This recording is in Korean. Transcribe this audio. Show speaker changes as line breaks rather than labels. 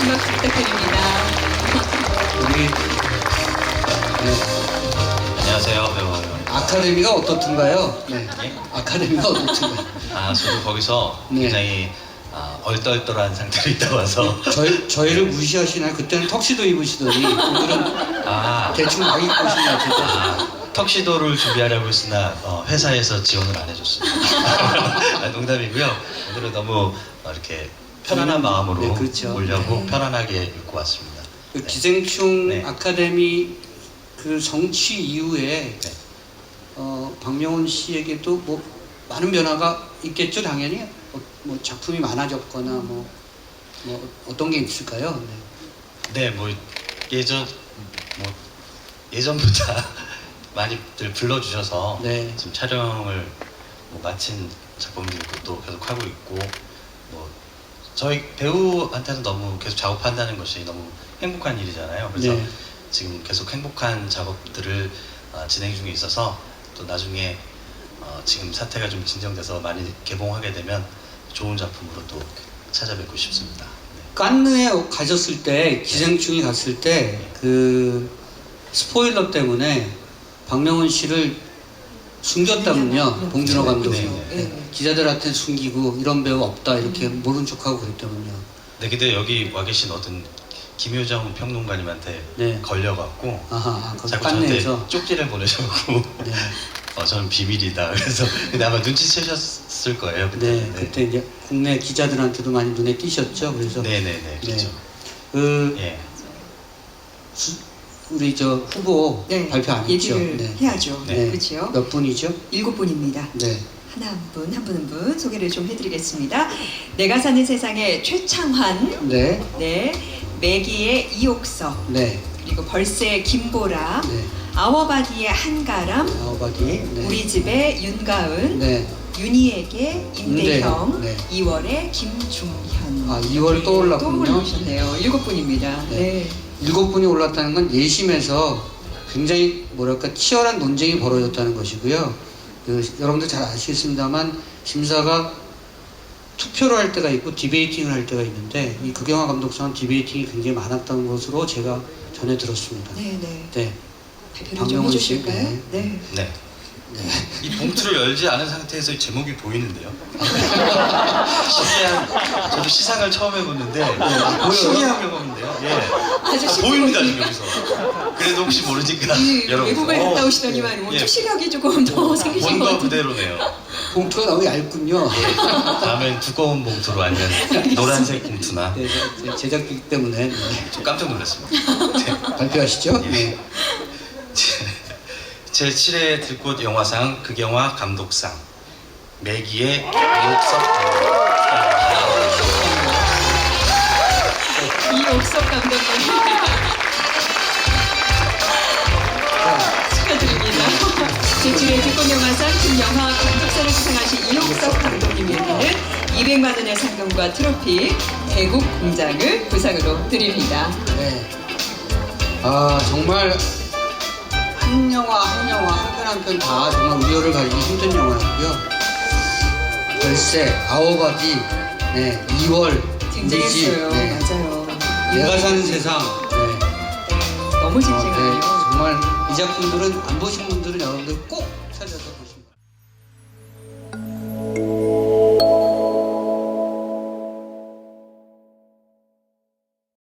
한 박수 부탁드립니다.
우리
안녕하세요, 배우.
아카데미가 어떻든가요? 네.
예?
아카데미가 어떻든가요?
저도 거기서
네.
굉장히 얼떨떨한 상태로 있다 와서
저희를 무시하시나요? 그때는 턱시도 입으시더니 오늘은 대충 막 입고 오시네요. 진짜.
턱시도를 준비하려고 했으나 회사에서 지원을 안 해줬습니다. 농담이고요. 오늘은 너무 이렇게 편안한 마음으로
네, 그렇죠.
오려고
네.
편안하게 입고 왔습니다.
그
네.
기생충
네.
아카데미 그 성취 이후에
네.
박명훈 씨에게도 뭐 많은 변화가 있겠죠, 당연히. 뭐 작품이 많아졌거나 뭐 어떤 게 있을까요?
네, 뭐 예전보다 많이들 불러주셔서
네.
지금 촬영을 마친 작품도 있고 또 계속 하고 있고 뭐 저희 배우한테는 너무 계속 작업한다는 것이 너무 행복한 일이잖아요. 그래서
네.
지금 계속 행복한 작업들을 진행 중에 있어서 또 나중에 지금 사태가 좀 진정돼서 많이 개봉하게 되면 좋은 작품으로 또 찾아뵙고 싶습니다. 네.
칸느에 가셨을 때 기생충이 갔을 때 그 스포일러 때문에 박명훈 씨를 숨겼다면요, 봉준호 감독이.
네.
기자들한테 숨기고 이런 배우 없다 이렇게 모른 척하고 그랬다면요.
네, 근데 여기 와 계신 어떤 김효정 평론가님한테
네.
걸려갖고
거기
자꾸 저한테
칸느에서.
쪽지를 보내셔갖고
네.
저는 비밀이다. 그래서 근데 아마 눈치채셨을 거예요. 그때.
네, 그때 이제 국내 기자들한테도 많이 눈에 띄셨죠. 그래서
네네네. 그렇죠.
그 우리 저 후보
네,
발표 안 했죠.
얘기를 해야죠.
네.
그렇죠.
몇 분이죠?
7분입니다.
네.
하나 한 분, 한 분 한 분 소개를 좀 해드리겠습니다. 내가 사는 세상의 최창환,
네.
네, 매기의 이옥석,
네.
그리고 벌새의 김보라,
네.
아워바디의 한가람,
아우바디. 네.
우리 집의 윤가은,
네.
윤희에게 임대형,
네.
2월의 김중현.
2월 또 올랐군요.
또 올라오셨네요. 7분입니다.
네. 7분이 올랐다는 건 예심에서 굉장히 뭐랄까 치열한 논쟁이 벌어졌다는 것이고요. 여러분들 잘 아시겠습니다만 심사가 투표를 할 때가 있고 디베이팅을 할 때가 있는데 이 극영하 감독상은 디베이팅이 굉장히 많았다는 것으로 제가 전해 들었습니다.
네, 네.
네.
발표를 좀
박명훈 씨,
해주실까요?
네.
네.
네. 이 봉투를 열지 않은 상태에서 제목이 보이는데요. 저도 시상을 처음 해보는데 신기한 경험인데요. 예.
아주
보입니다 지금
신기하니까.
여기서. 그래도 혹시 모르니까
이
여러분.
외국을 갔다 오시더니만
예.
추시력이 조금 더 생기신 것
본거
같은데.
그대로네요.
봉투가 너무 얇군요.
다음엔 두꺼운 봉투로 아니면 노란색 봉투나.
네, 제작비 때문에 네.
좀 깜짝 놀랐습니다. 네.
발표하시죠.
예.
네.
제7회 들꽃 영화상 극영화 감독상 매기의 이옥석
이옥석 감독님 축하드립니다. 제7회 들꽃영화상 김영하 감독상을 수상하신 이옥석 감독님에게는 200만 원의 상금과 트로피, 대국 공장을 부상으로 드립니다.
네. 정말 한 영화 한 편 한 편 다 정말 우려를 가지기 힘든 영화였고요. 벌새, 아워바디, 네, 2월,
쟁쟁했어요.
네,
맞아요.
내가 사는 세상, 네.
너무 쟁쟁해요.
네, 정말 이 작품들은 안 보신 분들은 여러분들 꼭